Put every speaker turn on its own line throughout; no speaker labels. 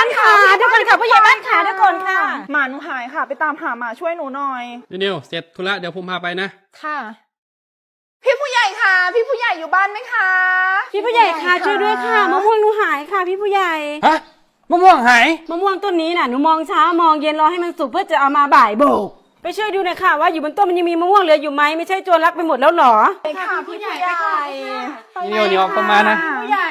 านค่ะเดี๋ยวก่อนค่ะผู้ใหญ่บ้านค่ะเดี๋ยวก่อนค่ะ
หมาหนูหายค่ะ ไปตามหาหมาช่วยหนูหน่อย
นิวเสร็จธุระเดี๋ยวผมพาไปนะ
ค่ะ
พี่ผู้ใหญ่ค่ะ พี่ผู้ใหญ่อยู่บ้านไหมคะ
พี่ผู้ใหญ่ค่ะช่วยด้วยค่ะมะม่วงหนูหายค่ะพี่ผู้ใหญ่
ฮะมะม่วงหาย
มะม่วงต้นนี้น่ะหนูมองเช้ามองเย็นรอให้มันสุกเพื่อจะเอามาบ่ายโบกไปช่วยดูหน่อยค่ะว่าอยู่บนต้นมันยังมีมะม่วงเหลืออยู่ไหมไม่ใช่โจรลักไปหมดแล้วหรอ
ค่ะพี่ผู้ใหญ่
นิวประมาณนะ
ผู้ใหญ่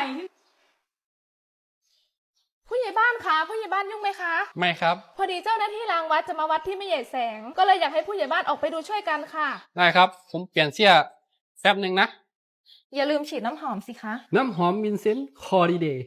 ผู้ใหญ่บ้านคะผู้ใหญ่บ้านยุ่งไหมคะ
ไม่ครับ
พอดีเจ้าหน้าที่รางวัดจะมาวัดที่ไม่ใหญ่แสง ก็เลยอยากให้ผู้ใหญ่บ้านออกไปดูช่วยกันค่ะ
ได้ครับ ผมเปลี่ยนเสื้อแป๊บหนึ่งนะ
อย่าลืมฉีดน้ำหอมสิคะ
น้ำหอมวินเซนต์คอร์ดิเดย์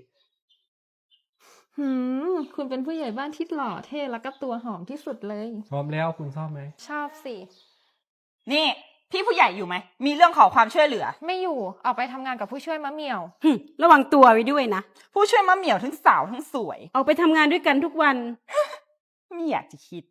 คุณเป็นผู้ใหญ่บ้านที่หล่อเท่แล้วก็ตัวหอมที่สุดเลย
พร้อมแล้วคุณชอบไหม
ชอบสิ
นี่พี่ผู้ใหญ่อยู่ไหม มีเรื่องขอความช่วยเหลือ
ไม่อยู่ออกไปทำงานกับผู้ช่วยมะเหมี่ยว
ระวังตัวไว้ด้วยนะ
ผู้ช่วยมะเหมี่ยวทั้งสาวทั้งสวย
ออกไปทำงานด้วยกันทุกวัน
ไม่อยากจะคิด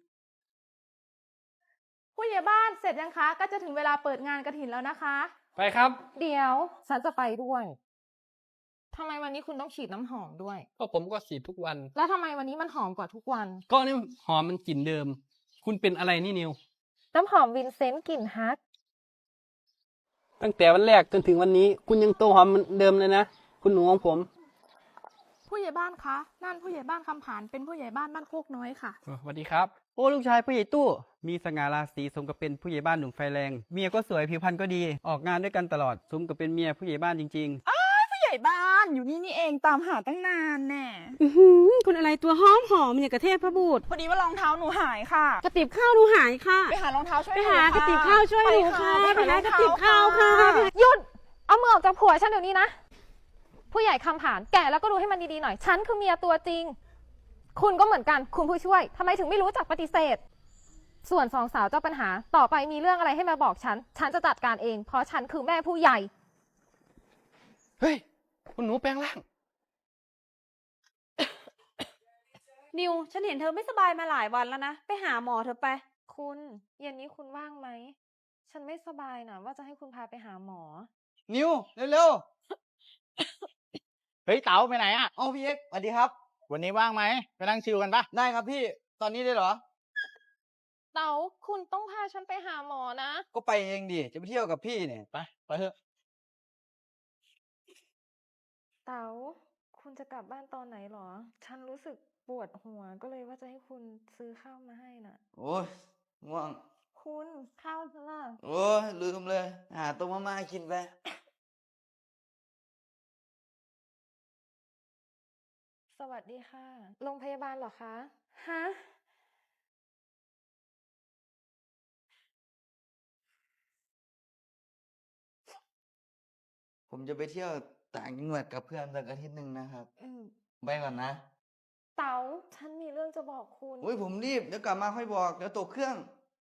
ผู้ใหญ่บ้านเสร็จยังคะ ก็จะถึงเวลาเปิดงานกฐินแล้วนะคะ
ไปครับ
เดี๋ยวฉันจะไปด้วยทำไมวันนี้คุณต้องฉีดน้ำหอมด้วย
ก็ผมก็ฉีดทุกวัน
แล้วทำไมวันนี้มันหอมกว่าทุกวัน
ก็นี่หอมมันกลิ่นเดิม คุณเป็นอะไรนี่นิว
น้ำหอมวินเซนต์กลิ่นฮัก
ตั้งแต่วันแรกจนถึงวันนี้ คุณยังตัวหอมเหมือนเดิมเลยนะ คุณหนูของผม
ผู้ใหญ่บ้านคะนั่นผู้ใหญ่บ้านคำผานเป็นผู้ใหญ่บ้านบ้านโคกน้อยค่ะ
สวัสดีครับ
โอ้ลูกชายผู้ใหญ่ตู้ มีสง่าราศีสมกับเป็นผู้ใหญ่บ้านหนุ่มไฟแรง เมียก็สวยผิวพรรณก็ดี ออกงานด้วยกันตลอด สมกับเป็นเมียผู้ใหญ่บ้านจริง
ผู้ใหญ่บ้านอยู่นี่นี่เองตามหาตั้งนานแน่
คุณอะไรตัวหอมหอมอย่างกระเทพพระบูตร
พอดีว่ารองเท้าหนูหายค่ะ
กระติบข้าวหนูหายค่ะ
ไปหารองเท้าช่วย
ไป
นู
หากระติบข้าวช่วยหนูค่ะ
ไป
ไปหา
หาร
ก
อง
ระติบ
เท้
ข้าวค่ะ
หยุดเอามือออกจากผัวฉันเดี๋ยวนี้นะ ผู้ใหญ่คำผานแก่แล้วก็ดูให้มันดีๆหน่อย ฉันคือเมียตัวจริง คุณก็เหมือนกันคุณผู้ช่วยทำไมถึงไม่รู้จักปฏิเสธ ส่วนสองสาวเจ้าปัญหาต่อไปมีเรื่องอะไรให้มาบอกฉัน ฉันจะจัดการเอง เพราะฉันคือแม่ผู้ใหญ่
เฮ้ย คุณหนูแปลงร่าง
นิวฉันเห็นเธอไม่สบายมาหลายวันแล้วนะไปหาหมอเธอไป
คุณเย็นนี้คุณว่างไหม ฉันไม่สบายนะว่าจะให้คุณพาไปหาหมอ
ๆ นิวเร็วๆ เฮ้ยเต๋าไปไหนอ่ะอ๋อพี่เอ็กสวัสดีครับ วันนี้ว่างไหมไปนั่งชิลกันปะได้ครับพี่ ตอนนี้ได้เหรอ
เต๋าคุณต้องพาฉันไปหาหมอนะ
ก็ไปเองดิ จะไปเที่ยวกับพี่เนี่ยไปเถอะ
เต๋าคุณจะกลับบ้านตอนไหนหรอ ฉันรู้สึกปวดหัวก็เลยว่าจะให้คุณซื้อข้าวมาให้น่ะ
โอ้ยง่วง
คุณข้าวซะล่ะ
โอ้ยลืมเลย หาต้มมาม่ากินไป
สวัสดีค่ะ โรงพยาบาลเหรอคะ ฮะ
ผมจะไปเที่ยวต่างจังหวัดกับเพื่อนสักอาทิตย์หนึ่งนะครับ
อืม
ไปก่อนนะ
เต๋าฉันมีเรื่องจะบอกคุณ
อุ้ยผมรีบ เดี๋ยวกลับมาค่อยบอก เดี๋ยวตกเครื่อง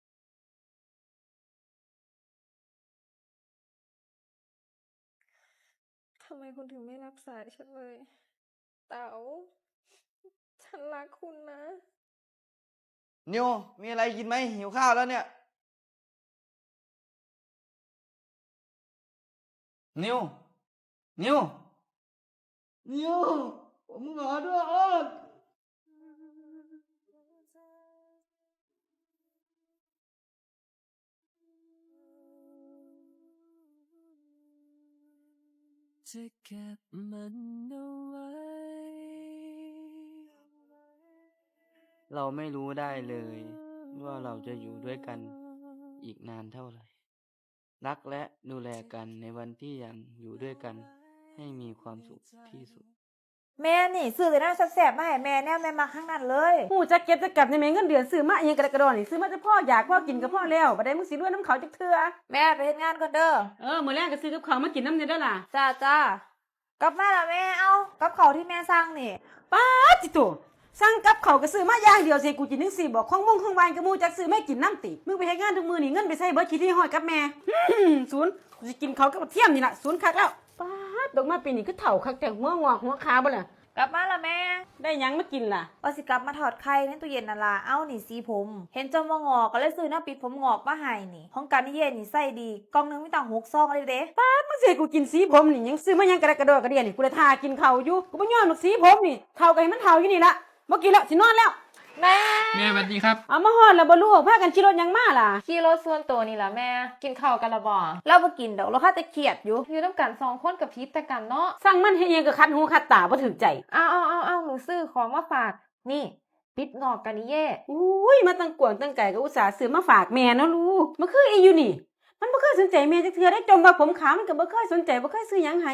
ทำไมคุณถึงไม่รับสายฉันเลย เต๋าฉันรักคุณนะ
นิว มีอะไรกินไหมหิวข้าวแล้วเนี่ย นิว นิว นิว ผมขอโทษ
จะเก็บมันเอาไว้
เราไม่รู้ได้เลย ว่าเราจะอยู่ด้วยกันอีกนานเท่าไหร่ รักและดูแลกันในวันที่ยังอยู่ด้วยกัน ให้มีความสุขที่สุด
แม่นี่ซื้อแต่น้ำแซ่บๆมาให้แม่แน่แม่มาข้างนั้นเลย
หูจะเก็บจะกลับในเมเงินเดือนซื้อมาเองกระดกกระดอนนี่ซื้อมาจะพ่ออยากพ่อกินกับพ่อแล้วบัดนี้มึงสิรวยน้ำเขาจักเทื่อ
แม่ไปเฮ็ดงานก่อนเด้อ
มื้อแรกก็ซื้อกับเขาวมากินน้ำเนี่ยเด้อล่ะ
จ้ากลับมาแล้วแม่เอากับเขาวที่แม่สั่งนี่
ป้าจิโตสั่งกับเขาวก็ซื้อมาอย่างเดียวสิกูกินจังซี่บอกของมงของหวานกับหมู่จักซื้อไม่กินน้ำติมึงไปเฮ็ดงานทุกมื้อนี่เงินไปใช้เบิดขี้ที่ห้อยกับแม่ ศูนย์กูสิกินเขาวกับเทียมนี่ล่ะศูนย์คักแล้วป้าดดอกมาปีนี้คือเฒ่าคักแต่หัวงอกหัวขาบ่ล่ะ
กลับมาแล้วแม่
ได้หยังมากินล่ะ
ว่าสิกลับมาถอดไข่ในตู้เย็นนั่นล่ะเอานี่สีผม เห็นจมงอกก็เลยซื้อน้ำปิดผมงอกมาให้นี่ของกันนี่เย็นนี่ใส่ดีกล่องหนึงมีตั้ง6ซองเลยเด้
มึงสิให้กูกินสีผมนี่ยังซื้อมายังกระดกกระโดดกระเดียนี่กูเลยทากินเขาวอยู่กูบ่ยอมหรอกสีผมนี่เฒ่าก็ให้มันเฒ่าอยู่นี่ล่ะบ่กินแล้วสินอนแล้ว
แม่
แม่สวัสดีครับ
เอามาฮอดแล้วบ่ลูกพากันขี่รถหยังมาล่ะ
ขี่รถส่วนตัวนี่ล่ะแม่ กินข้าวกันละบ่
เราบ่กินดอกเราค่าแต่เครียดอยู่
อยู่น้ำกัน2 คนกับพิษแต่กันเนาะ
สั่งมันให้ยังก็คัดหูคัดตาบ่ถึกใจ
เอาหนูซื้อของมาฝาก นี่ปิดงอกกันนี่เย่
อุ้ยมาตั้งกวางตั้งไก่ก็อุตส่าห์ซื้อมาฝากแม่เนาะลูกมันคืออีอยู่นี่ มันบ่เคยสนใจแม่จักเทื่อได้จมว่าผมขาวมันก็บ่เคยสนใจบ่เคยซื้อหยังให้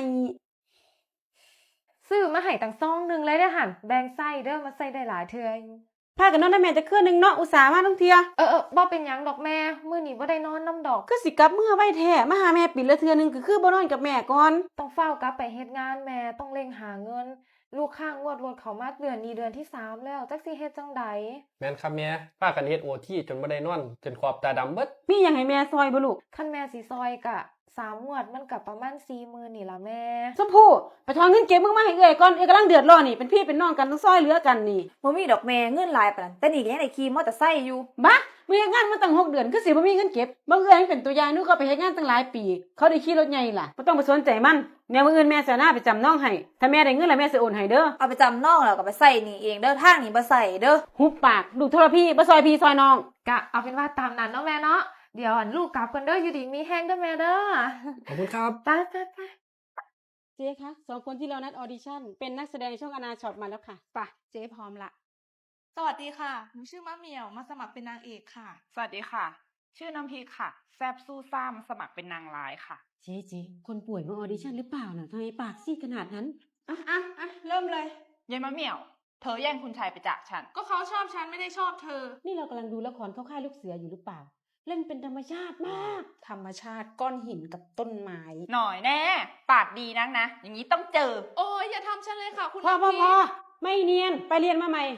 ซื้อมาให้ตั้ง2 นึงเลยเด้อหั่นแบ่งใส่เด้อมาใส่ได้หลายเทื่ออยู่
พากันนอนได้แม่จักคืนนึงเนาะอุตส่าห์มาทั้งเทื่อ
บ่เป็นหยังดอกแม่มื้อนี้บ่ได้นอนน้ำดอก
คือสิกลับเมื่อไว้แท้มาหาแม่ปิดละเทื่อนึงก็คือบ่นอนกับแม่ก่อน
ต้องเฝ้ากลับไปเฮ็ดงานแม่ต้องเร่งหาเงิน ลูกค้างวดรถเขามาเดือนนี้เดือนที่3แล้วจักสิเฮ็ดจังใด
แม่นครับแม่ป้ากันเฮ็ดโอทีจนบ่ได้นอนจนขอบตาดำเบิด
มีหยังให้แม่ซอยบ่ลูก
คันแม่สิซอยกะ3 งวดมันก็ประมาณ 40,000นี่ล่ะแม่
ชมพู่ไปถอนเงินเก็บมึงมาให้เอื้อยก่อนเอื้อยกำลังเดือดร้อนนี่เป็นพี่เป็นน้องกันต้องซอยเหลือกันนี่
บ่มีดอกแม่เงินหลายปานนั้นแต่นี่ก็ยังได้ขี่มอเตอร์ไซค์อยู่
บ้ามึงเฮ็ดงานมาตั้ง6 เดือนคือสิบ่มีเงินเก็บบางเอื้อยมันเป็นตัวอย่างหนูก็ไปเฮ็ดงานตั้งหลายปี เขาได้ขี่รถใหญ่ล่ะบ่ต้องไปสนใจมันแนวมื้ออื่นแม่สิเอาหน้าไปจำน้องให้ถ้าแม่ได้เงินแล้วแม่สิโอนให้เด้อ
เอาไปจำนองแล้วก็ไปใส่นี่เองเด้อทางนี้บ่ใส่เด้อ
หุบปากลูกโทรพี่บ่ซอยพี่ซอยน้อง
กะเอาเป็นว่าตามนั้นเนาะแม่เนาะเดี๋ยวอันลูกกลับกันเด้ออยู่ดีมีแห้งเด้อแม่เด้อ
ขอบคุณครับ
ไป
เจ๊คะ2 คนที่เรานัดออดิชั่นเป็นนักแสดงช่องอนาช็อตมาแล้วค่ะไปเจ๊พร้อมละ
สวัสดีค่ะ หนูชื่อมะเหมี่ยว มาสมัครเป็นนางเอกค่ะ
สวัสดีค่ะ ชื่อน้ำพริกค่ะ แซบสู้ซ่ามสมัครเป็นนางร้ายค่ะ
เจ๊คนป่วยมาออดิชั่นหรือเปล่าน่ะทำไมปากซีดขนาดนั้นเริ่มเลย
ยายมะเหมี่ยว เธอแย่งคุณชายไปจากฉัน
ก็เขาชอบฉันไม่ได้ชอบเธอ
นี่เรากำลังดูละครเข้าค่ายลูกเสืออยู่หรือเปล่า เล่นเป็นธรรมชาติมาก ธรรมชาติก้อนหินกับต้นไม้
หน่อยแน่ ปากดีนักนะ อย่างนี้ต้องเจอ
โอ้ยอย่าทำฉันเลยค่ะ คุณ
พอ
น้ำพริก
ไม่เนียนไปเรียนมาใหม่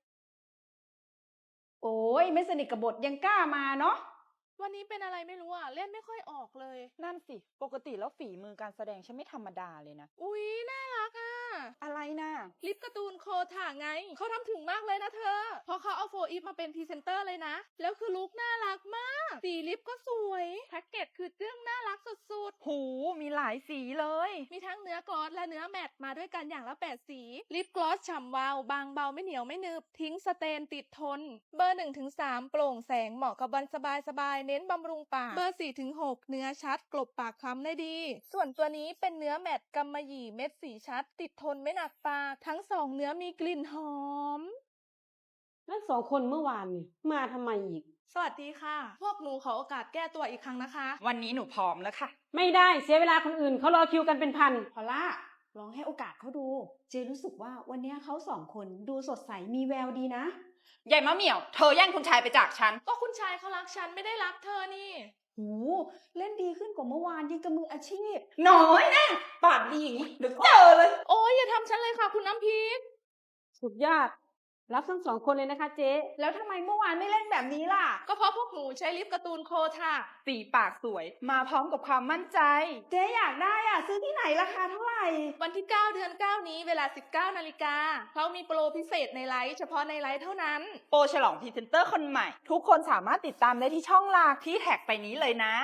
โอ้ยไม่สนิทกับบทยังกล้ามาเนาะ
วันนี้เป็นอะไรไม่รู้อ่ะ เล่นไม่ค่อยออกเลย
นั่นสิ ปกติแล้วฝีมือการแสดงฉันไม่ธรรมดาเลยนะ
อุ๊ย น่ารักอ่ะ
อะไรนะ
ลิปการ์ตูนโคถ่าไง เขาทำถึงมากเลยนะเธอ เพราะเขาเอาโฟอีฟมาเป็นพรีเซนเตอร์เลยนะ แล้วคือลุคน่ารักมาก สีลิปก็สวย แพ็กเกจคือจึ้งน่ารักสุด
หู มีหลายสีเลย
ๆ มีทั้งเนื้อกลอสและเนื้อแมตต์มาด้วยกันอย่างละ8 สี ลิปกลอสฉ่ำวาว บางเบาไม่เหนียวไม่หนึบ ทิ้งสเตนติดทน เบอร์ 1-3 โปร่งแสงเหมาะกับวันสบายๆ เน้นบำรุงปาก เบอร์ 4-6 เนื้อชัดกลบปากคล้ำได้ดี ส่วนตัวนี้เป็นเนื้อแมตต์กำมะหยี่เม็ดสีชัด ติดทนไม่หนักปาก ทั้ง2เนื้อมีกลิ่นหอม
นั่น2 คนเมื่อวานนี่มาทำไมอีก
สวัสดีค่ะ พวกหนูขอโอกาสแก้ตัวอีกครั้งนะคะ
วันนี้หนูพร้อมแล้วค่ะ
ไม่ได้เสียเวลาคนอื่นเขารอคิวกันเป็นพัน
พอล่าลองให้โอกาสเขาดู เจรู้สึกว่าวันนี้เขา2 คนดูสดใสมีแววดีนะ
ยายมะเหมี่ยว เธอแย่งคุณชายไปจากฉัน
ก็คุณชายเขารักฉันไม่ได้รักเธอนี่
หูเล่นดีขึ้นกว่าเมื่อวานยังกับมืออาชีพ
น้อยแน่ ปากดีอย่างนี้เดี๋ยวเจอเลย
โอ้ยอย่าทำฉันเลยค่ะ คุณน้ำพริก
สุดยอดรับทั้ง2 คนเลยนะคะเจ๊
แล้วทำไมเมื่อวานไม่เล่นแบบนี้ล่ะ
ก็เพราะพวกหนูใช้ลิปการ์ตูนโคท่า
สีปากสวย มาพร้อมกับความมั่นใจ
เจ๊อยากได้อ่ะ ซื้อที่ไหนราคาเท่าไหร่
วันที่ 9 เดือน 9 นี้เวลา 19 นาฬิกาเขามีโปรพิเศษในไลฟ์เฉพาะในไลฟ์เท่านั้น
โปรฉลองพรีเซนเตอร์คนใหม่ ทุกคนสามารถติดตามได้ที่ช่องหลักที่แท็กไปนี้เลยนะ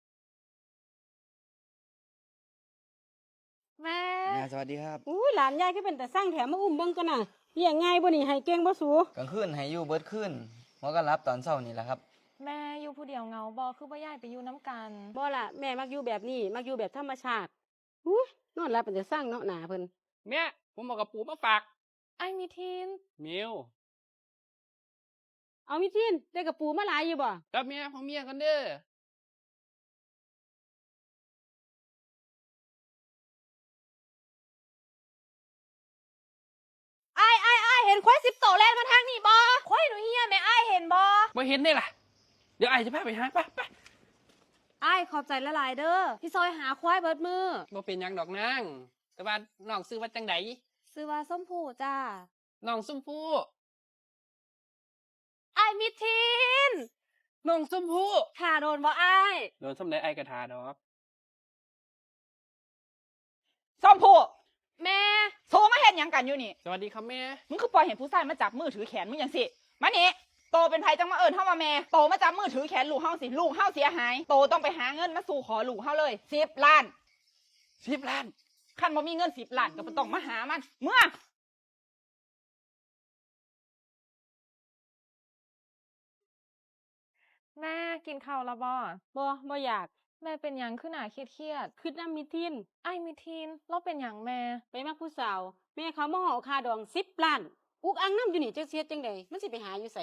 แม่
สวัสดีครับ
อุ้ยหลานยายก็เป็นแต่สร้างแถมมาอุ้มเบิ่งกันน่ะเลี้ยงง่ายบ่นี่ให้เก่งบ่สู
กลางคืนให้อยู่เบิดคืนหมอก็รับตอนเช้านี่แหละครับ
แม่อยู่ผู้เดียวเหงาบ่คือบ่ย้ายไปอยู่น้ำกัน
บ่ล่ะแม่มักอยู่แบบนี้มักอยู่แบบธรรมชาติอุ้ยนอนหลับเป็นแต่สร้างเนาะหนาเพิ่น
แม่ผมบอกกับปู่มาฝาก
ไอ้มีทีน
มิว
เอามิทินได้กระปูมาหลายอยู่บ่
กับเมียของเมียกันเด้อ
ไอ้เห็นควาย10 โตแล่นมาทางนี้บ่ควายหนูเฮียแม่ไอ้เห็นบ่
มาเห็นได้ล่ะ เดี๋ยวไอ้จะพาไปหาไป
ไอ้ขอบใจละลายเด้อที่ซอยหาควายเบิดมือ
บ่เป็นหยังดอกนางแต่ว่าน้องซื้อว่าจังได
ซื้อว่าส้มผูจ้า
น้องส้มผู้
ไอ้มิทิน
น้องส้มผู้
ถ่าโดนบ่ไอ้
โดนส้มได้ไอ้กระทาดอก
ส้มผู้
แม่
โทรมาเห็นยังกันอยู่นี่
สวัสดีครับแม่
มึงคือปล่อยเห็นผู้ชายมาจับมือถือแขนมึงอย่างสิ มานี่โตเป็นไผจังมาเอิญเฮามาแม่ โตมาจับมือถือแขนลูกเฮาสิ ลูกเฮาเสียหาย โตต้องไปหาเงินมาสู่ขอลูกเฮาเลย10 ล้าน
10 ล้าน
คันบ่มีเงิน10 ล้านก็บ่ต้องมาหามัน เมื่อ
แม่กินข้าวและบ่
บ่อยาก
แม่เป็นหยังขึ้นหนาเครียด
คิดน้ำมิทิน
ๆไอ้มิทีนเราเป็นหยังแม่
ไปมักผู้สาว แม่เขามาห่อค่าดอง10 ล้าน อุกอังน้ำอยู่นี่จักเสียจังใดมันสิไปหาอยู่ไส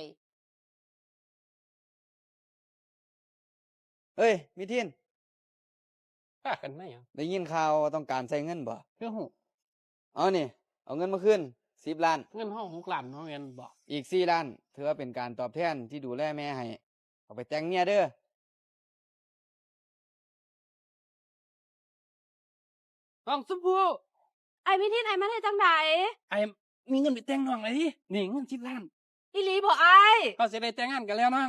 เฮ้ยมิทิน
ฆ่ากันไหมอ่ะ
ได้ยินข่าวว่าต้องการใช้เงินบ่
เรื่องหู
เอานี่ เอาเงินมาขึ้น10 ล้าน
เงินห้อง6 ล้านเนาะแม่นบอก
อีก4 ล้านถือว่าเป็นการตอบแทนที่ดูแลแม่ให้ เอาไปแต่งเมียเด้อ
น้องสมพู่
ไอ้มิทินไอ้มาได้จังใด
ไอ้มีเงินไปแต่งน้องเลยดินี่เงิน10 ล้าน
อีหลีบ่ไอ้
เขาจะได้แต่งงานกันแล้วน้อง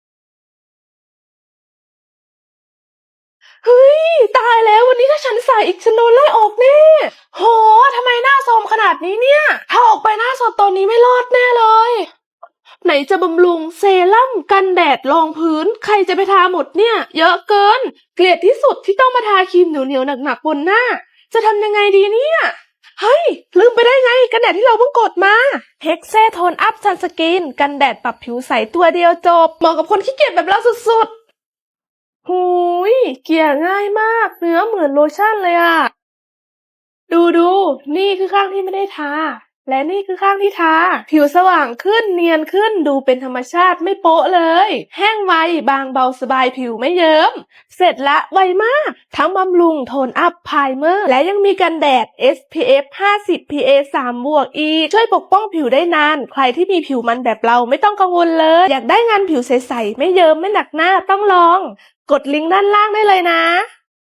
เฮ้ย ตายแล้ววันนี้ถ้าฉันใส่อีกฉันโดนไล่ออกแน่ โหทำไมหน้าโทรมขนาดนี้เนี่ย ถ้าออกไปหน้าสดตอนนี้ไม่รอดแน่เลย ไหนจะบำรุงเซรั่มกันแดดรองพื้น ใครจะไปทาหมดเนี่ย เยอะเกิน เกลียดที่สุดที่ต้องมาทาครีมเหนียวๆหนักๆบนหน้า จะทำยังไงดีเนี่ย เฮ้ย ลืมไปได้ไงกันแดดที่เราเพิ่งกดมาเฮกเซโทนอัพซันสกินกันแดดปรับผิวใสตัวเดียวจบ เหมาะกับคนขี้เกียจแบบเราสุดๆ หูยเกลี่ยง่ายมาก เนื้อเหมือนโลชั่นเลยอะดูนี่คือข้างที่ไม่ได้ทา และนี่คือข้างที่ทา ผิวสว่างขึ้นเนียนขึ้นดูเป็นธรรมชาติไม่โป๊ะเลย แห้งไวบางเบาสบายผิวไม่เยิ้ม เสร็จละไวมาก ทั้งบำรุงโทนอัพไพรเมอร์ และยังมีกันแดด SPF 50 PA 3 บวกอีกช่วยปกป้องผิวได้นาน ใครที่มีผิวมันแบบเราไม่ต้องกังวลเลย อยากได้งานผิวใสๆไม่เยิ้มไม่หนักหน้าต้องลอง กดลิงก์ด้านล่างได้เลยนะ